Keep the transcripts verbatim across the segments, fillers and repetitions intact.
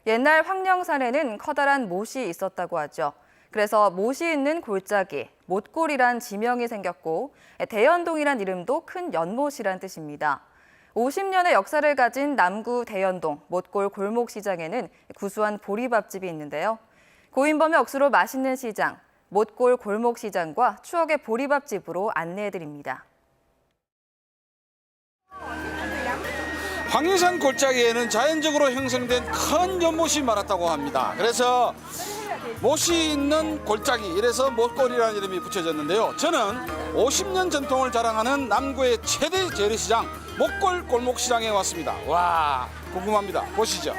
옛날 황령산에는 커다란 못이 있었다고 하죠. 그래서 못이 있는 골짜기, 못골이란 지명이 생겼고 대연동이란 이름도 큰 연못이란 뜻입니다. 오십 년의 역사를 가진 남구 대연동 못골 골목시장에는 구수한 보리밥집이 있는데요. 고인범의 억수로 맛있는 시장, 못골 골목시장과 추억의 보리밥집으로 안내해드립니다. 황령산 골짜기에는 자연적으로 형성된 큰 연못이 많았다고 합니다. 그래서 못이 있는 골짜기, 이래서 못골이라는 이름이 붙여졌는데요. 저는 오십 년 전통을 자랑하는 남구의 최대 재래시장 못골 골목시장에 왔습니다. 와, 궁금합니다. 보시죠.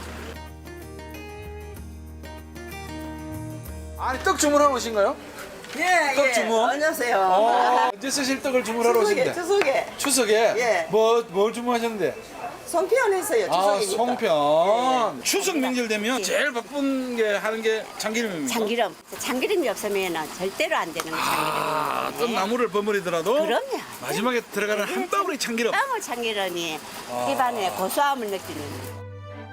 아니, 떡 주문하러 오신가요? 예, 떡 예. 주문? 안녕하세요. 어, 언제 쓰실 떡을 주문하러 오신대? 추석에, 추석에. 추석에? 예. 뭐, 뭘 주문하셨는데? 송편 했어요, 아, 추석이니까. 송편. 예. 추석 명절 되면 제일 바쁜 게 하는 게 참기름입니다. 참기름. 참기름이 없으면 절대로 안 되는 참기름이에요. 아, 어떤 나무를 버무리더라도 그럼요. 마지막에 들어가는 한 방울의 참기름. 너무 참기름이 아. 입안에 고소함을 느끼는.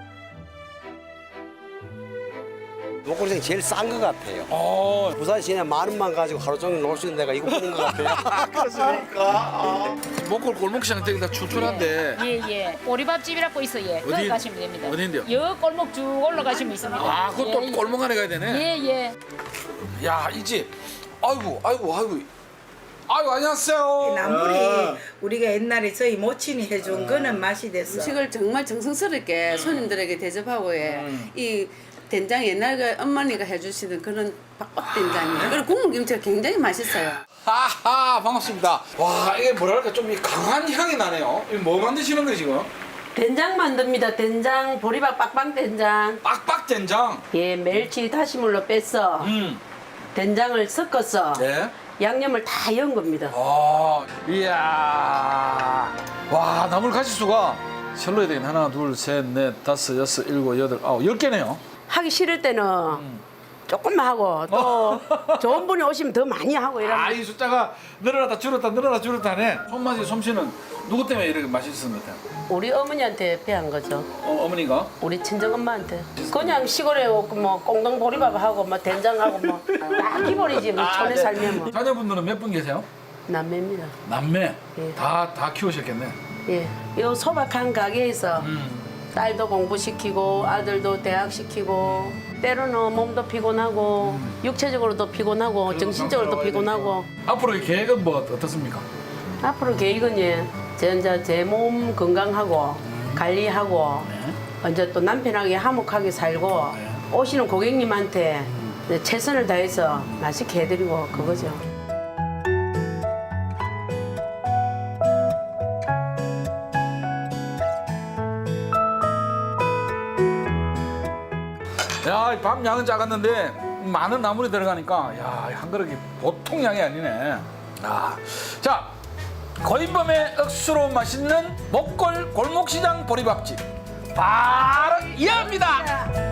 목골생이 제일 싼 것 같아요. 어, 부산 시내 만 원만 가지고 하루 종일 놀 수 있는 데가 이거뿐인 것 같아요. 그렇습니까? 목골 골목시장 되기다 추천한데. 예, 예. 보리밥집이라고 있어, 예. 어디- 거기 가시면 됩니다. 어딘데요? 여 골목 쭉 올라가시면 있습니다. 아, 그것도 예, 예. 골목 안에 가야 되네. 예, 예. 야, 이 집. 아이고, 아이고, 아이고. 아이고, 안녕하세요. 나물이 우리가 옛날에 저희 모친이 해준 거는 맛이 됐어. 음식을 정말 정성스럽게 손님들에게 대접하고 해. 이 된장 옛날 그 어머니가 해주시는 그런 박박 된장이에요. 그리고 국물 김치가 굉장히 맛있어요. 하하, 반갑습니다. 와, 이게 뭐랄까 좀 이 강한 향이 나네요. 이거 뭐 만드시는 거예요, 지금? 된장 만듭니다. 된장, 보리밥 빡빡 된장. 빡빡 된장. 예, 멸치 다시물로 뺐어. 음. 된장을 섞어서 네. 양념을 다 넣은 겁니다. 아, 이야. 와, 나물 가지수가 셀로 해야 되겠네. 하나, 둘, 셋, 넷, 다섯, 여섯, 일곱, 여덟, 아홉, 열 개네요. 하기 싫을 때는 조금만 하고 또 좋은 분이 오시면 더 많이 하고 아, 이러면 이 숫자가 늘어났다 줄었다 늘어났다 줄었다 하네. 손맛이 솜씨는 누구 때문에 이렇게 맛있었던 것 같아요? 우리 어머니한테 배운 거죠. 어, 어머니가? 우리 친정엄마한테. 그냥 시골에 뭐 꽁동 보리밥 하고 뭐 된장하고 뭐 다 기본이지 뭐 촌에 네. 살면 뭐 자녀분들은 몇 분 계세요? 남매입니다. 남매. 예. 다, 다 키우셨겠네. 예, 요 소박한 가게에서 음. 딸도 공부시키고 아들도 대학 시키고 때로는 몸도 피곤하고 육체적으로도 피곤하고 정신적으로도 피곤하고 앞으로 이 계획은 뭐 어떻습니까? 앞으로 계획은 예, 제 이제 제 몸 건강하고 관리하고 이제 또 남편하게 화목하게 살고 오시는 고객님한테 이제 최선을 다해서 맛있게 해드리고 그거죠. 야, 이 밥 양은 작았는데 많은 나물이 들어가니까 야, 한 그릇이 보통 양이 아니네. 아, 자, 고인범의 억수로 맛있는 목골 골목시장 보리밥집 바로 이어입니다.